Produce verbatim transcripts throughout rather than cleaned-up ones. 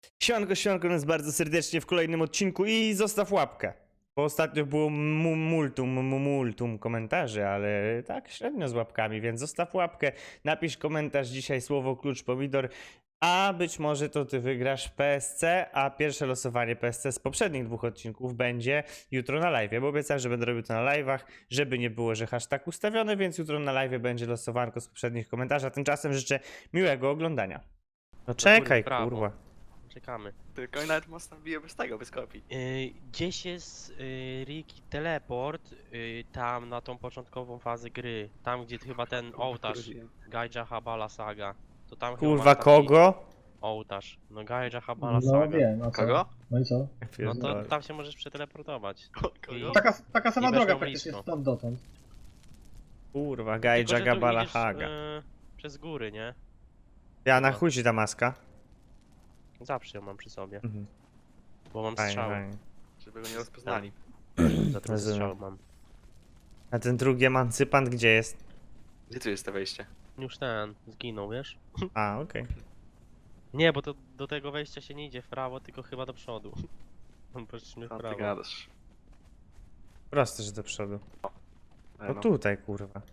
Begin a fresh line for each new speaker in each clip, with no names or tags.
Siemanko, siemanko nas bardzo serdecznie w kolejnym odcinku i zostaw łapkę. Bo ostatnio było mu- multum, mu- multum komentarzy, ale tak średnio z łapkami, więc zostaw łapkę, napisz komentarz dzisiaj słowo klucz pomidor, a być może to ty wygrasz P S C, a pierwsze losowanie P S C z poprzednich dwóch odcinków będzie jutro na live, bo obiecałem, że będę robił to na live'ach, żeby nie było, że hashtag ustawiony, więc jutro na live będzie losowanko z poprzednich komentarzy, a tymczasem życzę miłego oglądania. No czekaj,
brawo.
kurwa.
Czekamy.
Tylko oni nawet mocno biją bez tego, bez kopii.
Yy, gdzieś jest yy, Ricky teleport yy, tam na tą początkową fazę gry. Tam gdzie chyba ten ołtarz Gaija Habala Saga. To tam chyba
Kurwa,
masz taki
kogo?
Ołtarz. No Gaija Habala
No
Saga.
wiem, a co?
Kogo?
No i co?
No to tam się możesz przeteleportować.
Kogo?
I-
Taka, taka sama
I weszło
droga praktycznie
blisko.
stąd dotąd.
Kurwa,
Tylko,
Gaija
że tu
Gabala
idziesz,
Haga.
yy, przez góry, nie?
Ja na
no.
chuj ci ta maska.
Zawsze ją mam przy sobie.
Mhm.
Bo mam
Fajnie,
strzały.
fajnie.
Żeby go nie rozpoznali.
Za to
Rozumiem.
strzał mam.
A ten drugi emancypant gdzie jest?
Gdzie tu jest to wejście?
Już ten zginął, wiesz?
A, okej.
Nie, bo to do tego wejścia się nie idzie w prawo, tylko chyba do przodu. Poszliśmy w
Co ty
prawo.
gadasz?
Proste, że do przodu.
E,
No
no.
tutaj, kurwa.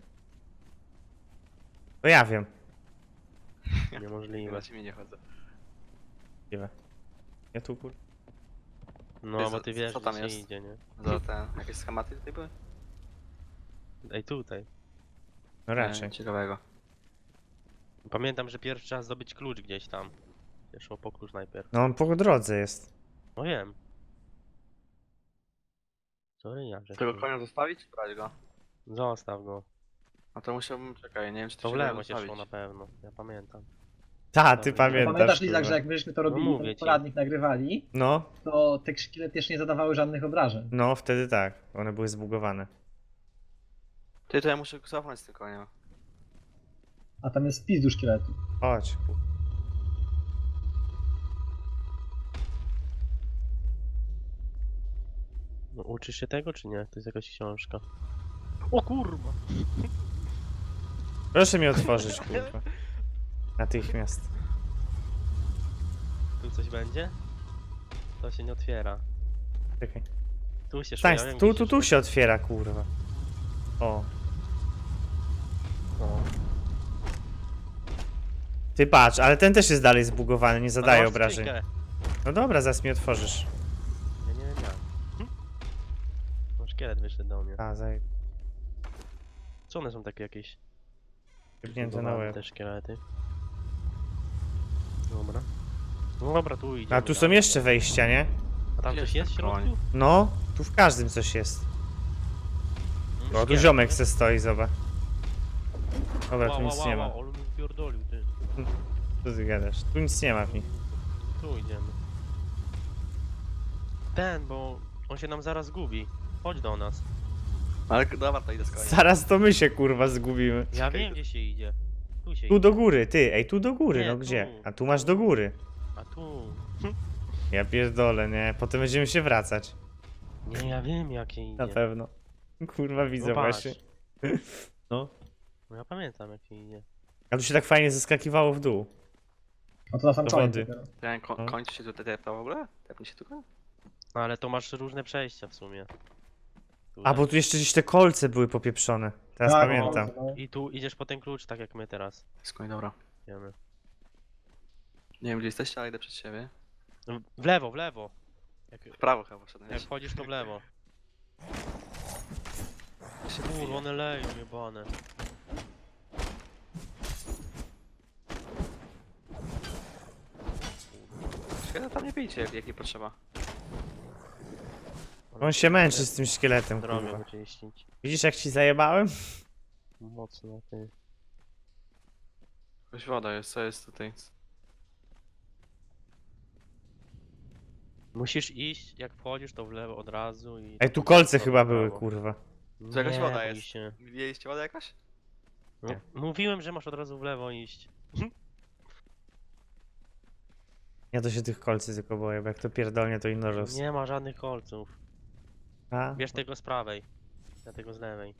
To ja wiem.
Niemożliwe.
Na ciebie nie chodzę.
Możliwe. Ja tu, kurwa.
No,
Ty,
bo ty wiesz,
co
że
tam
się
jest?
idzie, nie?
Za te jakieś schematy tutaj były?
Ej, tutaj.
No raczej.
Nie, ciekawego.
Pamiętam, że pierwszy raz zdobyć klucz gdzieś tam. Szło po klucz najpierw.
No on po drodze jest.
No wiem. Sorry, ja że
Tego konia zostawić czy brać go?
Zostaw go.
No to musiałbym, czekaj, nie wiem czy to
To w
się da
lewo się
zostawić.
szło na pewno. Ja pamiętam.
Ta, ty
Dobra.
pamiętasz.
Pamiętasz, Lizak,
kurwa.
że jak myśmy to robili,
mówię
ten
ci.
poradnik nagrywali,
No,
to te szkielety też nie zadawały żadnych obrażeń.
no wtedy tak. One były zbugowane.
Ty, to ja muszę cofnąć z tym koniem.
A tam jest spis do szkieletu.
Chodź. kurwa.
No, uczysz się tego, czy nie? To jest jakaś książka. O kurwa!
Proszę mi otworzyć, kurwa. Natychmiast.
Tu coś będzie? To się nie otwiera.
Czekaj.
Tu się szło,
Stań,
ja wiem,
tu,
gdzie
tu, tu
szło.
się otwiera, kurwa. O.
O.
Ty patrz, ale ten też jest dalej zbugowany, nie zadaje
Ale
obrażeń.
skrzynkę.
No dobra, zaraz mi otworzysz.
Ja nie wiem jak. Hm? No szkielet wyszedł do mnie.
A, zaj...
Co one są takie jakieś?
Jebnięte na
Zbugowane
łeb.
te szkielety. Dobra. No dobra, tu idziemy.
A tu są
dalej.
jeszcze wejścia, nie?
A tam
Gdzie
coś
jest
jest w
ten
środku?
No, tu w każdym coś jest.
Mm,
O, tu
szkielet,
ziomek
nie?
se stoi, zobacz. Dobra, tu
Ła, ła,
nic
ła,
nie
ła,
ma.
ale mi wpierdolił, ty.
Co ty gadasz? Tu nic nie ma w nich.
Tu idziemy. Ten, bo on się nam zaraz zgubi. Chodź do nas.
Ale dobra, to idę z koniem.
Zaraz to my się, kurwa, zgubimy.
Ja
Czekaj.
wiem, gdzie się idzie. Tu się
Tu
idzie.
do góry, ty, ej, tu do góry,
Nie,
no
tu.
gdzie? A tu masz do góry.
A tu.
Ja pierdolę, nie? Potem będziemy się wracać.
Nie, ja wiem, jakie idzie.
Na pewno. Kurwa, widzę
No patrz.
właśnie. No.
No ja pamiętam, jakie idzie.
A tu się tak fajnie zeskakiwało w dół.
A to na sam
Do
koniec
wody.
dopiero.
Ten ko
No.
kończy się tutaj tepta w ogóle? Tepnie się tu koń?
No ale to masz różne przejścia w sumie. Tu,
A, bo tu jeszcze gdzieś te kolce były popieprzone. Teraz
Tak,
pamiętam.
no.
I tu idziesz po ten klucz, tak jak my teraz.
Z koń, dobra.
Wiemy.
Nie wiem gdzie jesteście, ale idę przed siebie.
No, w lewo, w lewo. Jak,
W prawo chyba szedłem.
jak wchodzisz, to w lewo.
się
Kurwa, one leją jebane.
Szkoda, tam nie bijcie jak, jak nie potrzeba.
On się męczy z tym szkieletem,
Drogę
kurwa.
wyczyścić.
Widzisz jak ci zajebałem?
Mocno, ty.
Jakaś woda jest, co jest tutaj?
Musisz iść, jak wchodzisz, to w lewo od razu i...
Ej, tu kolce
to
chyba
w
były,
prawo.
kurwa.
To jakaś
Nie
woda
bój
jest.
się.
Widzieliście wodę jakaś?
No,
Nie.
mówiłem, że masz od razu w lewo iść.
Ja to się tych kolcy tylko boję, bo jak to pierdolnie, to inno roz.
Nie ma żadnych kolców.
A?
Bierz tego z prawej. Ja tego z lewej.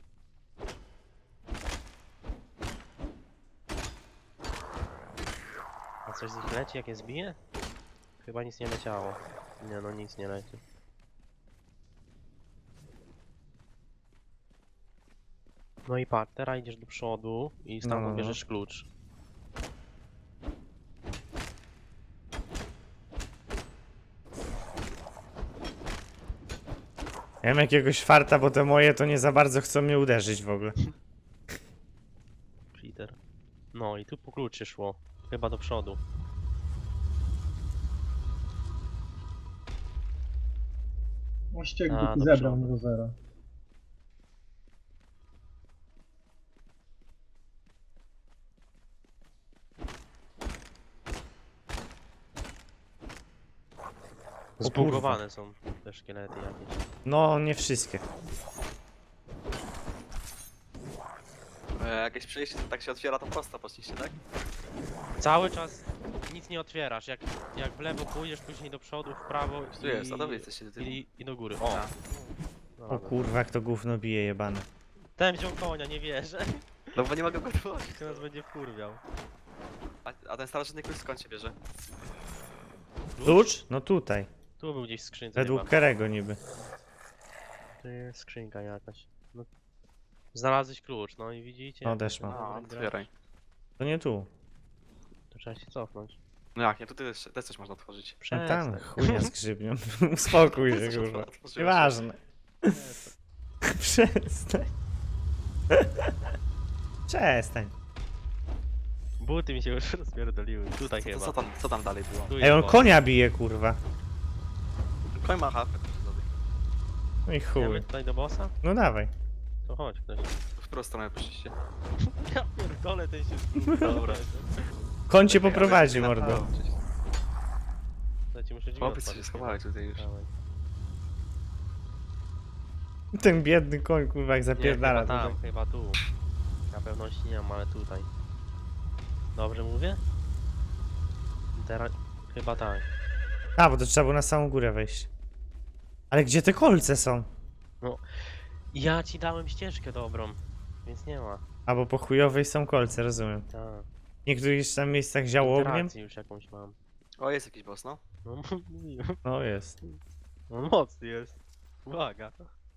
A coś z nich leci, jak je zbije? Chyba nic nie leciało. Nie no, nic nie leci. No i patrz, teraz idziesz do przodu i stamtąd
No, no, no.
bierzesz klucz.
Ja mam jakiegoś farta, bo te moje to nie za bardzo chcą mnie uderzyć w ogóle.
Cheater. No i tu po klucz się szło. Chyba do przodu.
O ściek
A,
głupi
do
zebrał
przodu.
do zera.
Zbugowane są te szkielety jakieś.
No, nie wszystkie.
E, jakieś przejście, to tak się otwiera, to prosto poszliście, tak?
Cały czas nic nie otwierasz. Jak, jak w lewo pójdziesz, później do przodu, w prawo
Tu jest, a to wy jesteście do tyłu.
i, i do góry. O!
A.
No
O
dobra.
kurwa, jak to gówno bije jebane.
Ten wziął konia, nie wierzę.
No bo nie mogę go otworzyć.
Teraz będzie wkurwiał.
A, a ten starożytny klucz skąd się bierze?
Klucz? No tutaj.
Tu był gdzieś w skrzynce
Według
chyba.
Kerego niby.
To jest skrzynka jakaś. No. Znalazłeś klucz, no i widzicie?
No,
jak
też
to
mam.
No,
gra.
otwieraj.
To nie tu.
To trzeba się cofnąć.
No jak, nie, tu też, też coś można otworzyć.
No
Przestań.
tam, chujnia z grzybnią. Uspokój się,
Też coś
kurwa.
można otworzyć.
Nieważne. Przestań. Przestań.
Buty mi się już rozpierdoliły. Tutaj
Co,
chyba.
co, tam, co tam dalej było?
Tu
Ej,
jest
on
boss.
konia bije, kurwa.
Koń ma hapę.
No i
Idziemy
chuj.
tutaj do bossa?
No dawaj.
To chodź ktoś.
W którą stronę poszliście?
Ja pierdolę, ten się
Dobra.
Koń cię
Czekaj,
poprowadzi,
ale-
mordo.
To ci muszę drzwi
Chłopiec się
otworzyć.
schowali tutaj już.
Dawaj.
Ten biedny koń, kurwa, jak
Nie,
zapierdala
chyba tam,
tutaj.
chyba tu. Na pewności nie mam, ale tutaj. Dobrze mówię? Teraz chyba tak.
A, bo to trzeba było na samą górę wejść. Ale gdzie te kolce są?
Ja ci dałem ścieżkę dobrą, więc nie ma.
A, bo po chujowej są kolce, rozumiem.
Tak.
W niektórych tam miejscach działo ogniem?
Interakcję już jakąś mam.
O, jest jakiś boss, no.
No mówiłem.
No jest.
No mocny jest. Uwaga.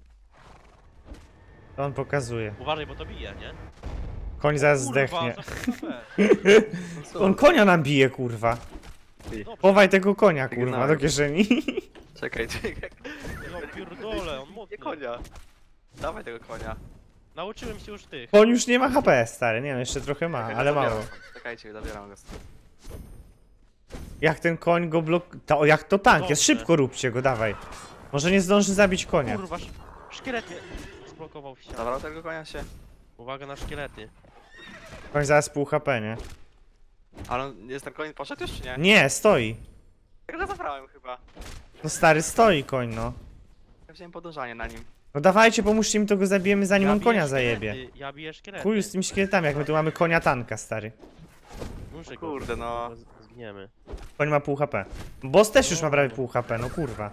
To on pokazuje.
Uważaj, bo to bije, nie?
Koń zaraz
Kurwa,
zdechnie.
za H P.
No co?
On konia nam bije, kurwa.
Dobrze.
Chowaj tego konia, kurwa,
Sygnałem.
do kieszeni.
Czekaj, czekaj.
Ja pierdolę, on mocny.
Nie konia. Dawaj tego konia.
Nauczyłem się już tych.
Koń już nie ma H P, stary. Nie no, jeszcze trochę ma,
Czekaj,
ale
zabieram
mało.
go. Czekajcie, zabieram go. stąd.
Jak ten koń go blok... To, jak to tank jest,
Dobrze.
szybko róbcie go, dawaj. Może nie zdąży zabić konia.
Kurwa, sz- szkielet mnie zblokował w ścianie.
Zabrał tego konia się.
Uwaga na szkielety.
Koń zaraz pół H P, nie?
Ale on, jest ten koń poszedł już czy nie?
Nie, stoi.
Ja go zabrałem chyba.
No stary, stoi koń, no.
Ja wziąłem podążanie na nim.
No dawajcie, pomóżcie mi, to go zabijemy zanim
Ja
on
biję
konia
szkielety,
zajebie.
Ja biję szkielety.
Chuj z tymi szkieletami, jak my tu mamy konia tanka, stary.
Muszę go,
Kurde, no.
bo z- Zginiemy.
Koń ma pół H P. Boss też już ma prawie pół H P, no kurwa.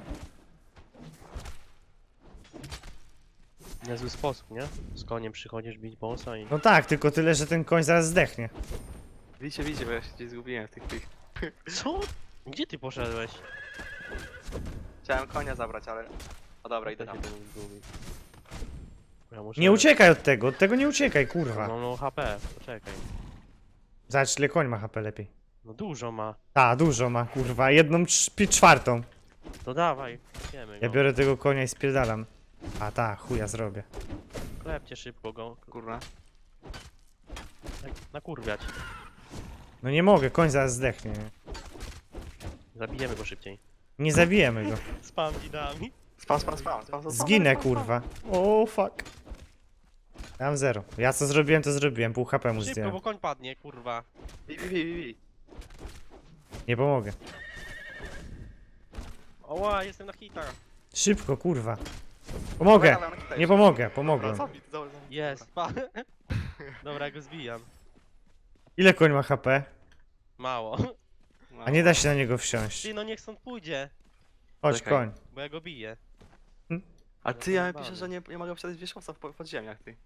Niezły sposób, nie? Z koniem przychodzisz bić bossa i...
No tak, tylko tyle, że ten koń zaraz zdechnie.
Widzicie, widzicie, bo ja się gdzieś zgubiłem w tych tych.
Co? Gdzie ty poszedłeś?
Chciałem konia zabrać, ale... O dobra, idę
To
tam.
się tu zgubi. Ja muszę...
Nie uciekaj od tego, od tego nie uciekaj, kurwa.
Mam no H P, poczekaj.
Zobacz, ile koń ma H P lepiej.
No dużo ma.
Ta, dużo ma, kurwa, jedną trz- czwartą.
To dawaj, wiemy go.
Ja biorę tego konia i spierdalam. A ta, chuja zrobię.
Klepcie szybko go.
Kurna.
Tak, nakurwiać.
No nie mogę, koń zaraz zdechnie. nie?
Zabijemy go szybciej.
Nie zabijemy go.
Spam widami.
Spam, spam, spam, spam, spam.
Zginę,
spam, spam.
kurwa. O, fuck. Ja mam zero. Ja co zrobiłem, to zrobiłem. Pół H P mu
Szybko,
zdjąłem.
bo koń padnie, kurwa.
Bi, bi, bi, bi, bi.
Nie pomogę.
Oła, jestem na hitach.
Szybko, kurwa. Pomogę.
Dawaj, dawaj, dawaj.
Nie pomogę,
Dobra,
pomogłem.
zabij, dobra, zabij.
Jest, pa. Dobra, ja go zbijam.
Ile koń ma H P?
Mało.
No.
A nie da się na niego wsiąść.
Ty, no niech stąd pójdzie,
Chodź,
Czekaj.
koń.
bo ja go biję.
A ty, ja piszę, że nie, nie mogę przejść wierzchowca w po- podziemiach, ty.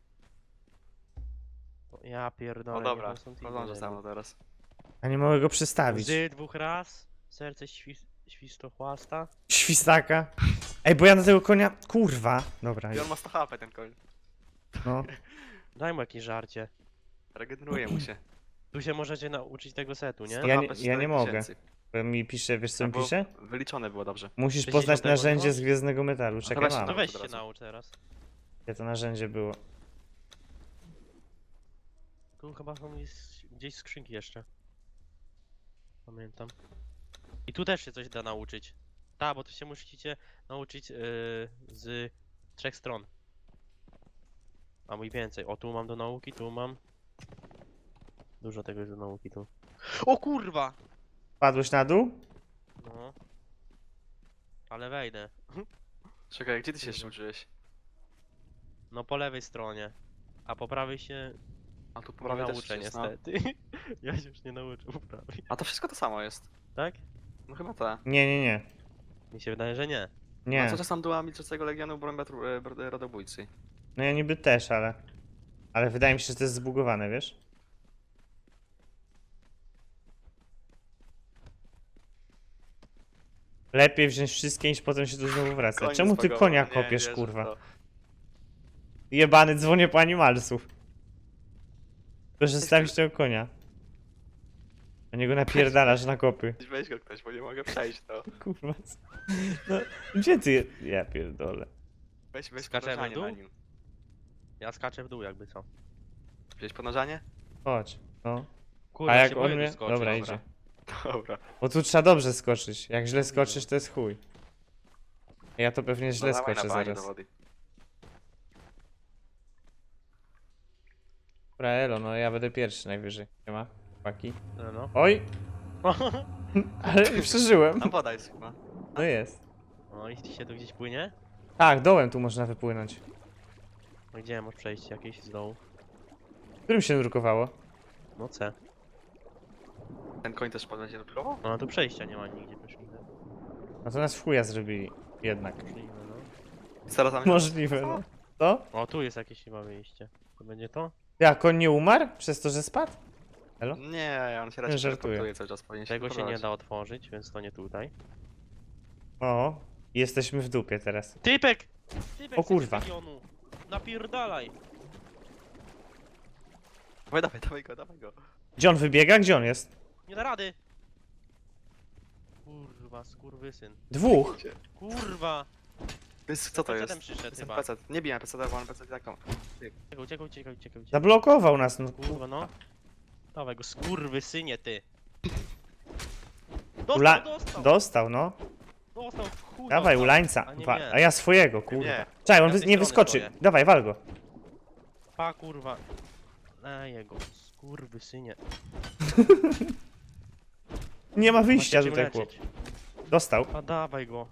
Ja pierdolę.
O dobra,
niech on stąd
podążę
idzie.
za mną teraz.
A nie mogę go przestawić.
Łzy dwóch raz, serce świst... Świstochłasta?
Świstaka. Ej, bo ja na tego konia... Kurwa. Dobra,
I on ma sto H P ten koń.
no.
Daj mu jakieś żarcie.
Regeneruje mu się.
Tu się możecie nauczyć tego setu, nie?
sto
Ja
H
nie-
P,
ja nie
cztery
mogę.
tysięcy.
Bo mi pisze, wiesz co mi
Albo
pisze?
Wyliczone było dobrze.
Musisz
sześćdziesiąt
poznać narzędzie
tego?
z Gwiezdnego Metalu. Czekaj,
Dobra,
mam.
To
Od
weź się
razu.
naucz teraz.
Gdzie to narzędzie było?
Tu chyba są gdzieś, gdzieś skrzynki jeszcze. Pamiętam. I tu też się coś da nauczyć. Tak, bo tu się musicie nauczyć yy, z trzech stron. A mój więcej. O, tu mam do nauki, tu mam. Dużo tego jest do nauki tu. O kurwa!
Padłeś na dół?
No. Ale wejdę.
Czekaj, gdzie ty się jeszcze uczyłeś?
No po lewej stronie. A po prawej się
A tu po
nie
prawej też
nauczę
jest, no.
niestety. Ja się już nie nauczę po prawej.
A to wszystko to samo jest.
Tak?
No chyba tak.
Nie, nie, nie.
Mi się wydaje, że nie.
Nie.
A co czasem była Milczącego Legionu Brąbia Rodobójcy?
No ja niby też, ale... Ale wydaje mi się, że to jest zbugowane, wiesz? Lepiej wziąć wszystkie niż potem się tu znowu wracać.
Koń
Czemu ty
zbagował.
konia
Nie
kopiesz,
wierzę w
kurwa?
to.
Jebany, dzwonię po animalsów. Proszę stawić tego konia. A niego napierdalasz na kopy.
Weź go ktoś, bo nie mogę przejść to.
Kurwa. co- No, gdzie ty? je- Ja pierdolę.
Weź, weź
Skaczemy
ponarzanie
w dół?
na nim.
Ja skaczę w dół jakby co.
Wziąć ponarzanie?
Chodź. No.
Kurwa,
A jak
się
on
boję
mnie...
tu skoczyć.
Dobra,
dobra.
idzie.
Dobra.
Bo tu trzeba dobrze skoczyć. Jak źle skoczysz, to jest chuj. Ja to pewnie źle
No dawaj
skoczę
na banie
zaraz.
do wody.
Dobra, elo, no ja będę pierwszy najwyżej. Nie ma? Chłopaki.
No, no.
Oj! Ale przeżyłem.
Tam woda jest chyba.
No jest.
No i się tu gdzieś płynie?
Tak, dołem tu można wypłynąć.
No gdzie masz przejście jakieś z dołu?
Którym się nurkowało?
No C.
Ten koń też będzie nurkował?
No a tu przejścia nie ma nigdzie, poszliśmy.
No to nas w chuja zrobili. Jednak.
Poszliśmy, no.
Zaraz tam
Możliwe, no. To?
O, tu jest jakieś chyba wyjście. To będzie to?
Ja, koń nie umarł? Przez to, że spadł? Elo?
Nie, on się
Nie
raczej
żartuję.
teleportuje cały czas, powinien się
Tego się nie
kontrolować.
da otworzyć, więc to nie tutaj.
O, jesteśmy w dupie teraz.
Typek! Typek
O kurwa.
z regionu. Napierdalaj!
Dawaj, dawaj, dawaj go, dawaj go.
Gdzie on wybiega? Gdzie on jest?
Nie da rady! Kurwa, skurwysyn.
Dwóch.
Gdzie?
Kurwa!
To jest, co to
Pecetem
jest?
przyszedł
Jestem
chyba.
pecet. Nie bijam peceta, bo mam pecet taką.
Uciekaj, uciekaj, uciekaj, uciekaj. uciekaj.
Zablokował nas, no.
Kurwa, no. Dawaj go, skurwysynie, ty. Dostał,
Ula...
dostał!
Dostał, no.
Dostał, w chuj
Dawaj,
dostał.
ulańca.
A nie
Wa-
mnie.
A ja swojego, kurwa.
Nie.
Czekaj, on
Ja
wy-
z tej
nie
strony
wyskoczy.
stoję.
Dawaj, wal go.
Pa, kurwa. Ej, jego, skurwysynie.
Nie ma wyjścia
Chodźcie
tutaj,
cię
chłop.
leczyć.
Dostał.
A dawaj go.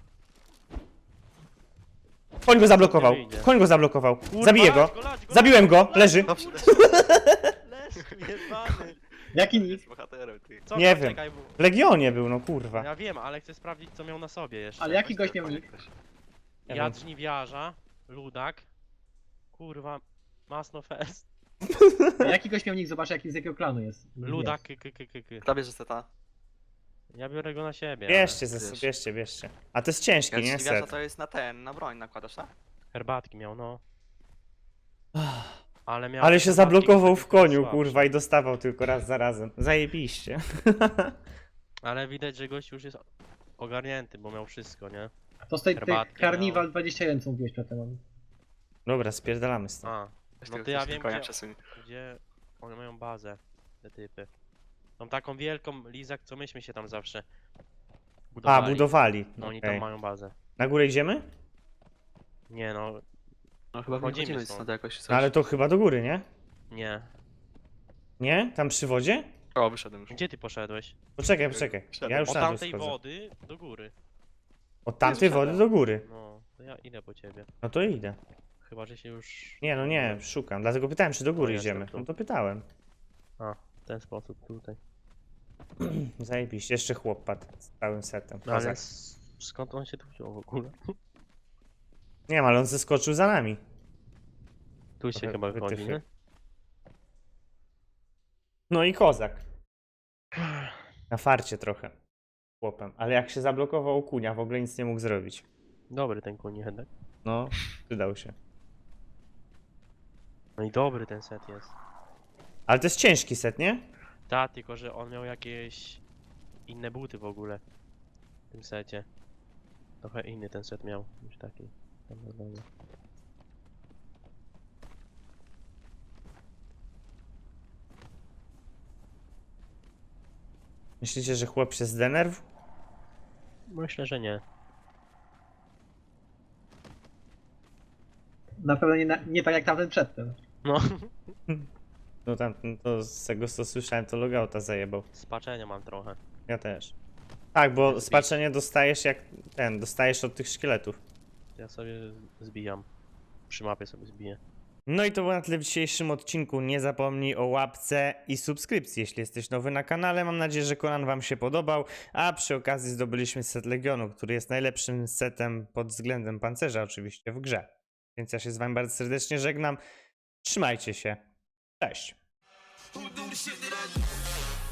Koń go zablokował.
Nie wyjdzie.
Koń go zablokował.
Kurwa,
Zabiję
lać
go.
lać
Zabiłem
lać
go. Leży.
Dobrze,
Leż, jebany.
Jaki nick?
jest bohaterem, ty.
Co,
Nie
to
wiem.
czekaj, bo...
W Legionie był, no kurwa.
Ja wiem, ale chcę sprawdzić, co miał na sobie jeszcze.
Ale jaki gość miał nick?
Ja
Ja
wiem.
żniwiarza, ludak. Kurwa, masno fest.
Jaki gość miał nick? Zobacz jaki z jakiego klanu jest.
Ludak, k, k, k, k, k.
Kto bierze seta?
Ja biorę go na siebie.
Bierzcie, ze,
wiesz.
bierzcie, bierzcie. A to jest ciężkie,
Ja
nie?
ci wiesz,
Set.
to jest na ten, na broń nakładasz, tak?
Ale herbatki miał, no. Ale miał.
Ale się
herbatki,
zablokował w
które były
koniu,
słabsze.
kurwa, i dostawał tylko raz za razem. Zajebiście.
Ale widać, że gość już jest ogarnięty, bo miał wszystko, nie?
To z tej, tej
Herbatki
Carnival
miał.
dwadzieścia jeden co mówiłeś przedtem.
Dobra, spierdalamy stąd.
A,
Weź
no
tego
to ja
ktoś
wiem,
konia
gdzie,
przesuń.
gdzie one mają bazę, te typy. Tą taką wielką lizak, co myśmy się tam zawsze
A,
budowali.
budowali.
No oni
Okej.
tam mają bazę.
Na górę idziemy?
Nie no,
No chyba
Wchodzimy
wychodzimy
stąd.
stąd jakoś coś.
No ale to chyba do góry, nie?
nie.
Nie? Tam przy wodzie?
O, wyszedłem już.
Gdzie ty poszedłeś?
Poczekaj, poczekaj. Ja już
Od
na dół
tamtej
schodzę.
wody do góry.
Od tamtej
Jest
wody
przede.
do góry.
No, to ja idę po ciebie.
No to idę.
Chyba, że się już...
Nie, no nie, szukam. Dlatego pytałem, czy do góry
O, jestem
idziemy.
tu.
No to pytałem.
A, w ten sposób tutaj.
Zajebiście. Jeszcze chłop padł z całym setem.
No ale
Kozak.
s- skąd on się tu wziął w ogóle?
Nie wiem, ale on zeskoczył za nami.
Tu się
Trochę
chyba chodzi,
wytyfy.
nie?
No i kozak. Na farcie trochę. chłopem. Ale jak się zablokował kunia, w ogóle nic nie mógł zrobić.
Dobry ten koń jednak.
No, przydał się.
No i dobry ten set jest.
Ale to jest ciężki set, nie?
Ta, tylko że on miał jakieś inne buty w ogóle. W tym secie. Trochę inny ten set miał niż taki. Tam normalnie.
Myślicie, że chłop się zdenerw?
Myślę, że nie.
Na pewno nie, na, nie tak jak tamten przedtem.
No,
No tam, no to z tego co słyszałem, to logouta zajebał.
spaczenia mam trochę.
Ja też. Tak, bo
Zbić.
spaczenie dostajesz jak ten, dostajesz od tych szkieletów.
Ja sobie zbijam. Przy mapie sobie zbiję.
No i to było na tyle w dzisiejszym odcinku. Nie zapomnij o łapce i subskrypcji, jeśli jesteś nowy na kanale. Mam nadzieję, że Conan wam się podobał, a przy okazji zdobyliśmy set Legionu, który jest najlepszym setem pod względem pancerza oczywiście w grze. Więc ja się z wami bardzo serdecznie żegnam. Trzymajcie się. Cześć.
Who do the shit that I do?